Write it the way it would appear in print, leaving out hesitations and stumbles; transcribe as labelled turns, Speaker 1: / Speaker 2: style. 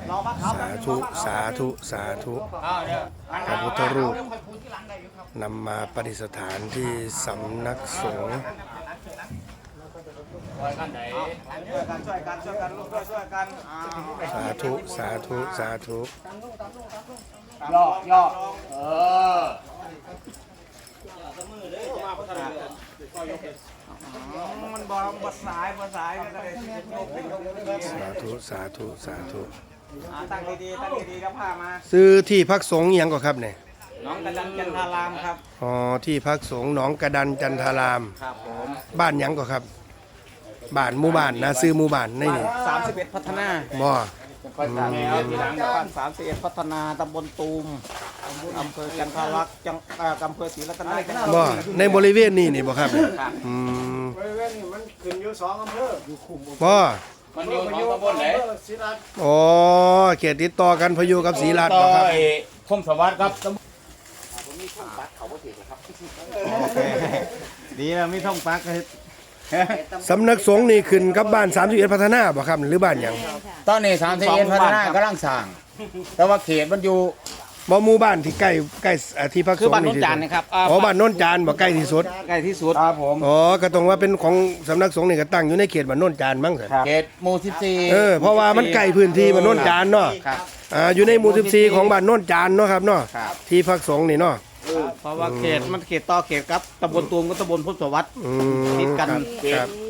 Speaker 1: สาธุสาธุสาธุพระพุทธรูปนำมาประดิษฐานที่สำนักสงฆ์สาธุสาธุสาธุ
Speaker 2: ย่อมันบ่สายสา
Speaker 1: ธุสาธุสาธุ
Speaker 2: ตั้งดีๆตั้งดีๆแล้วพามา
Speaker 1: ซื้อที่พักสงฆ์ยังก็ครับเนี่ย
Speaker 2: น้องกระดันจันทารามครับ
Speaker 1: อ๋อที่พักสงฆ์หนองกระดันจันทาราม
Speaker 2: ครับผม
Speaker 1: บ้านยังก็ครับบ้านหมู่บ้านนะซื้อหมู่บ้านนี่
Speaker 2: 31พัฒนา
Speaker 1: บ่
Speaker 2: บ้าน31พัฒนาตำบลตูมอำเภอกันทารักษ์จังอำเภอศรีรัตน
Speaker 1: บ่ในบริเวณนี้นี่บ่ครับ
Speaker 2: บริเวณนี้มันขึ้นอยู่2อำเภออยู่คุม
Speaker 1: บ่
Speaker 2: มันอยู่ตำบลไหนศรีรัตน์
Speaker 1: อ๋อเขตติดต่อกันพะยูกับศรีรัตน์บ่ครับ
Speaker 2: คมสวัสดิ์ครับผมมีท่องปักเขาบ่ถือครับดีแล้วมีท่องปัก
Speaker 1: สำนักสงฆ์นี่ขึ้นกับบ้าน31พัฒนาบ่ครับหรือบ้านหยัง
Speaker 2: ตอนนี้31พัฒนากำลังสร้างแต่ว่าเขตมันอยู่
Speaker 1: บ่หมู่บ้านที่ใกล้ที่พักสงฆ์
Speaker 2: คือบ้านโนนจานนะครับ
Speaker 1: อ๋อบ้านโนนจานบ่ใกล้ที่สุด
Speaker 2: ครับผม
Speaker 1: อ๋อก็ต้องว่าเป็นของสำนักสงฆ์นี่ก็ตั้งอยู่ในเขตบ้านโนนจานมั้ง
Speaker 2: เขตหมู่14
Speaker 1: เพราะว่ามันใกล้พื้นที่บ้านโนนจานเนาะอยู่ในหมู่14ของบ้านโนนจานเนาะครับเนาะที่พักสงฆ์นี่เนาะ
Speaker 2: เพราะว่าเขตมันเขตต่อเขตครับตำบลตูมกับตำบลพุทธสวัสดิ์ติดกัน